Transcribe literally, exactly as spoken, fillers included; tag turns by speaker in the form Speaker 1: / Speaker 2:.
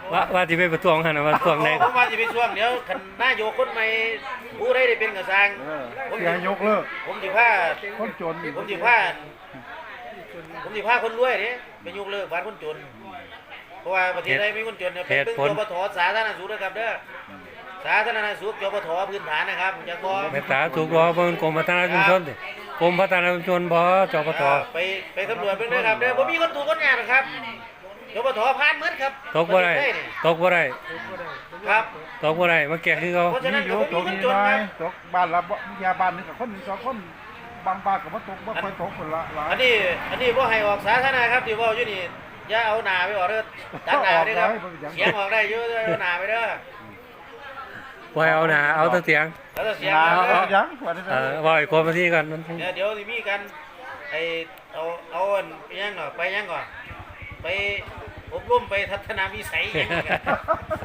Speaker 1: ว่าว่าที่ไปประท้วงหันนะว่าประท้วงได้
Speaker 2: ผมว่าจะไปช่วงเดี๋ยวคันนายกคนใหม่ผู้ได้ได้เป็นกระซังผม
Speaker 3: อย่ายกเลิก
Speaker 2: ผมสิผ้า
Speaker 3: คนจน
Speaker 2: ผมสิผ้าผมสิผ้าคนรวยเด้ไปยกเลิกบ้านคนจนเพราะว่าประเทศไทยมีคนจนเนี่ยเป็นจปทสาธารณสุขนะครับเด้อสาธารณสุขจปทพื้นฐานนะครับจะพอ
Speaker 1: เมตตาถูกรอเพิ่นกรมพัฒนาชุมชนดิกรมพัฒนาชุมชนบ่จปท
Speaker 2: ไปไปตำรวจเพิ่นเด้อครับเด้อบ่มีคนถูกคนยากหรอกครับจปทผ่านหมดครับ
Speaker 1: ตกบ่ได้ตกบ่ได้
Speaker 2: ครับ
Speaker 1: ตกบ่ได้มาแก้คือเขา
Speaker 2: เพราะฉะนั้น
Speaker 3: นี่อ
Speaker 2: ก็
Speaker 3: ยู่
Speaker 2: บ่
Speaker 3: ต
Speaker 2: มี
Speaker 3: ก
Speaker 2: คน
Speaker 3: นี่
Speaker 2: จน
Speaker 3: น้อ
Speaker 2: ค
Speaker 3: ย
Speaker 2: รับ
Speaker 3: ตกบ้านละบ่ยาบ้านนึงกับคนหนึ่งสองคนบางบ้านก็บ่ตกบ่ค่อยตกคนละหลาย
Speaker 2: อันนี้อันนี้บ่ให้ออกสาธารณะครับที่เว้าอยู่นี่อย่าเอาหน้าไปออกเด้อตัดหน้าเด้อครับเสียงออกได้อยู่เอาหน้าไปเด้อ
Speaker 1: บ่ให้เอาหน้าเอาแต่เสียง
Speaker 2: แล้วก็เสียง
Speaker 3: นา
Speaker 2: ออก
Speaker 3: เอา
Speaker 2: เด้อ
Speaker 3: ยังว่าได้
Speaker 1: เออว่าอีกคนมาที่กันมัน
Speaker 2: เดี๋ยวเดี๋ยวสิมีกันไอ้เอาเอาอันไปยังก่อนไปยังก่อนไปอบรมไปทัศนวิสัยหยังกัน